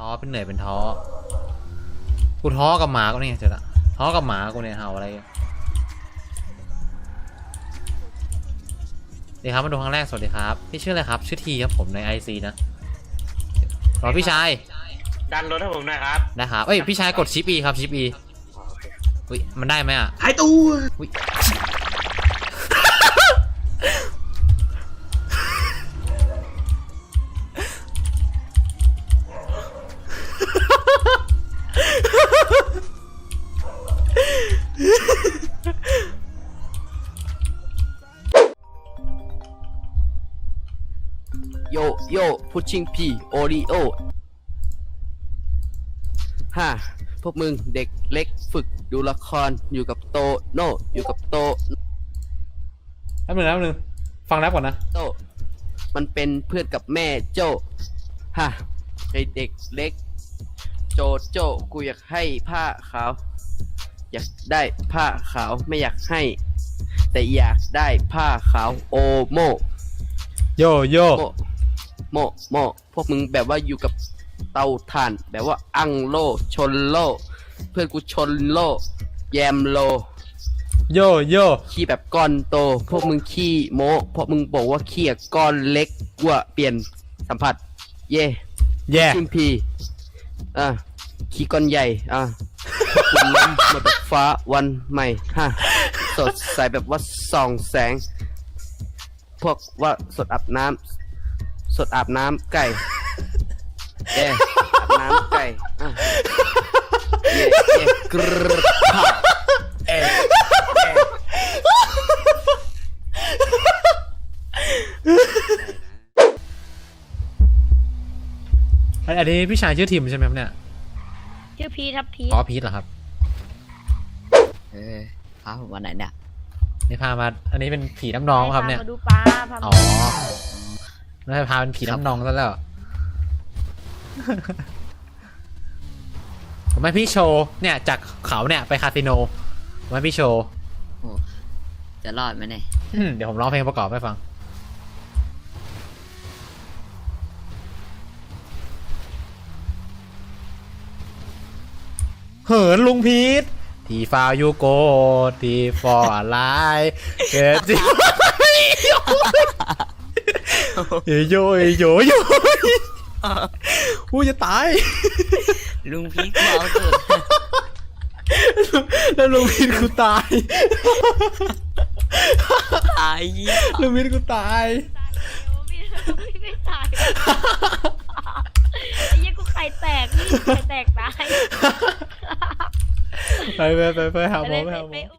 ท้อเป็นเหนื่อยเป็นท้อกูท้อกับหมากูเนี่ยเจอละท้อกับหมากูเนี่ยเห่าอะไรดีครับมาดูครั้งแรกสวัสดีครับพี่ชื่ออะไรครับชื่อทีครับผมใน IC นะรอพี่ชายดันรถให้ผมหน่อยครับนะครับเอ้ยพี่ชายกดชิป E ครับชิป E อุ้ยมันได้ไหมอ่ะหายตัวอุ้ยโยโย่พุชชิ่งพีโอริโอฮ่าพวกมึงเด็กเล็กฝึกดูละครอยู่กับโตโน่อยู่กับโตแป๊บนึงฟังแรปก่อนนะโตมันเป็นเพื่อนกับแม่โจฮ่าไอเด็กเล็กโจโจกูอยากให้ผ้าขาวอยากได้ผ้าขาวไม่อยากให้แต่อยากได้ผ้าขาวโอโมโยโยโมพวกมึงแบบว่าอยู่กับเตาถ่านแบบว่าอังโลชนโลเพื่อนกูชนโลแยมโลโยขี้แบบก้อนโตพวกมึงขี้โมพวกมึงบอกว่าขี้ก้อนเล็กกว่าเปลี่ยนสัมผัสเย่ชิมพีขี้ก้อนใหญ่คุณล้มมาแบบฟ้าวันใหม่สดใสแบบว่าส่องแสงพวกว่าสดอาบน้ำไก่อาบน้ำไก่กรึ๊ดอันนี้พี่ชายชื่อทิมใช่ไหมครับเนี่ยชื่อพีทครับพีทอ๋อพีทเหรอครับพาผมวันไหนเนี่ยนี่พามาอันนี้เป็นผีน้ำนองครับเนี่ยมาดูปลาอ๋อแล้วพาเป็นผีน้ำนองซะแล้วผมให้พี่โชว์เนี่ยจากเขาเนี่ยไปคาสิโนผมให้พี่โชว์จะรอดไหมเนี่ยเดี๋ยวผมร้องเพลงประกอบให้ฟังเหินลุงพีทที่ฟาวยูโกที่ฟอร์ไลน์เกิดจิโยอู้จะตายลุงพีทเอาเกิดแล้วลุงพีทกูตายลุงพีทกูตายไม่ตายไอ้ยังกูไข่แตกนี่ไข่แตกตายไปหาหมอ